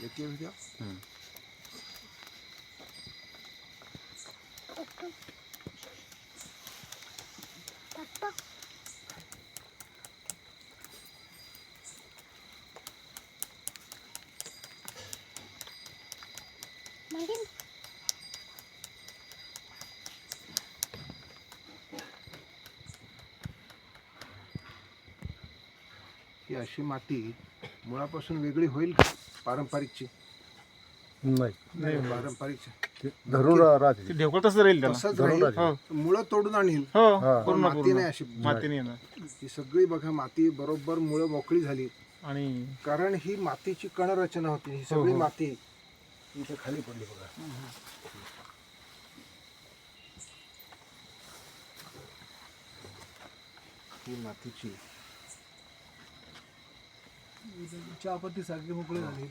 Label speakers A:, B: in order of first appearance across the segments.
A: देखिए भैया ही अशी माती मुळापासून वेगळी होईल का पारंपरिकची?
B: नाही
A: पारंपरिकची
B: धरून राहते.
C: ते ढेकळ तसं राहील त्याला.
A: तसंच
B: धरून
A: राहील.
B: राहते.
A: मुळं तोडून आणील
C: हो
A: पण
C: पूर्ण
A: माती
C: पूर्ण
A: नाही अशी.
C: माती नाही येणार.
A: ही सगळी बघा माती बरोबर मुळं मोकळी झाली
C: आणि
A: कारण ही मातीची कणरचना होती. ही सगळी माती इथे खाली पडली बघा. ही मातीची
D: चहापत्ती सारखी मोकळी झाली.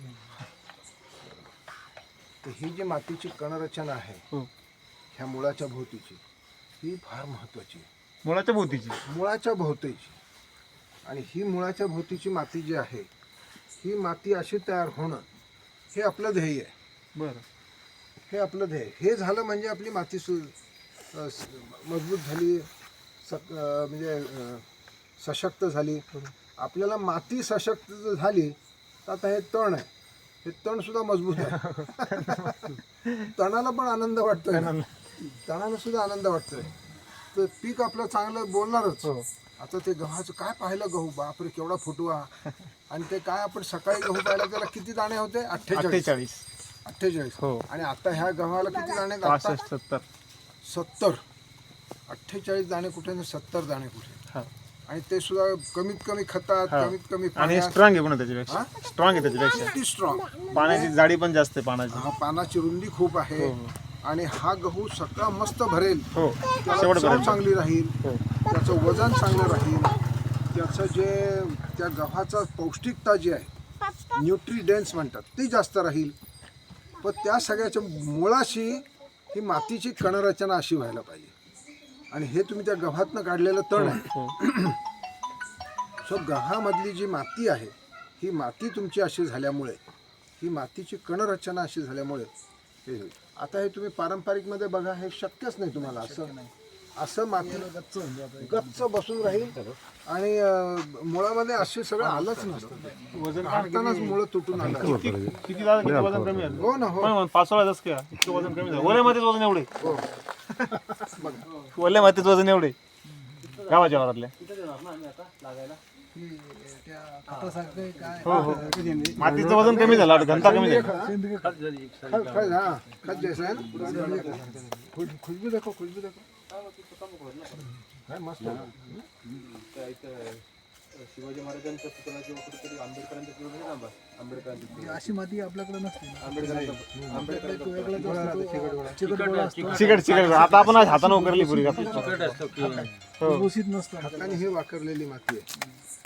A: तर ही जी मातीची कणरचना आहे
C: हो.
A: ह्या मुळाच्या भोवतीची ही फार महत्वाची आहे.
C: मुळाच्या भोवतीची
A: मुळाच्या भोवतीची. आणि ही मुळाच्या भोवतीची माती जी आहे ही माती अशी तयार होणं हे आपलं ध्येय आहे.
C: बरं.
A: हे आपलं ध्येय. हे झालं म्हणजे आपली माती मजबूत झाली, म्हणजे सशक्त झाली. आपल्याला माती सशक्त झाली तर आता हे तण आहे, हे तण सुद्धा मजबूत आहे. तणाला पण आनंद वाटतोय, तणाला सुद्धा आनंद वाटतोय. तर पीक आपलं चांगलं बोलणारच. आता ते गव्हाचं काय पाहिलं, गहू बापरे केवढा फुटवा. आणि ते काय आपण सकाळी गहू पाहिला त्याला किती दाणे होते? 48.
C: 48 हो.
A: आणि आता ह्या गव्हाला किती दाणे?
C: 65 70
A: 70. 48 दाणे कुठे आणि 70 दाणे कुठे.
C: हा.
A: आणि ते सुद्धा कमीत कमी खतात,
C: हा.
A: कमीत कमी
C: आणि
A: पाण्यात.
C: स्ट्रॉंग आहे पण त्याच्यापेक्षा. स्ट्रॉंग आहे त्याच्यापेक्षा.
A: किती स्ट्रॉंग.
C: पाण्याची जाडी पण जास्त आहे पाण्याची.
A: हा, पानाची रुंदी खूप आहे. आणि हा गहू सगळा मस्त भरेल.
C: हो
A: त्याला
C: शेवट
A: चव
C: पर्यंत.
A: चांगली राहील,
C: हो.
A: त्याचं वजन चांगलं राहील, त्याचं जे त्या गव्हाचा पौष्टिकता जी आहे न्यूट्रिडेंट्स म्हणतात ती जास्त राहील. पण त्या सगळ्याच्या मुळाशी ही मातीची कणरचना अशी व्हायला पाहिजे. आणि हे तुम्ही त्या गव्हातनं काढलेलं तण आहे.
C: हो.
A: सो गव्हामधली जी माती आहे ही माती तुमची अशी झाल्यामुळे, ही मातीची कणरचना अशी झाल्यामुळे हे होईल. आता हे तुम्ही पारंपरिकमध्ये बघा, हे शक्यच नाही तुम्हाला. असं माती गच्च बसून राहील आणि मुळामध्ये असे सगळं आलंच नसतं.
C: वजन
A: काढतानाच मुळं तुटून आलं.
C: किती झालं, किती वजन कमी झालं.
A: हो ना. हो
C: पण 5-16 जस काय इतकं वजन कमी झालं. ओल्या मातीत वजन एवढे.
A: हो.
C: ओल्या मातीत वजन एवढे गावाच्या वरातल्या.
D: त्या खतासारखं काय
C: हो हो. मातीचं वजन कमी झालं, घनता कमी झाली.
D: सेंद्रिय खत झाली.
A: हाँ खत जैसा है ना. खुशबू देखो, खुशबू देखो. है मस्त.
E: शिवाजी महाराजांच्या पुतळ्याची कुठेतरी आंबेडकरांच्या
D: अशी माती आपल्याकडे नसते.
C: चिकट आता आपण आज हाताने उकरली पुरी.
D: भुसभुशीत नसतं.
A: हाताने ही वाकरलेली माती आहे.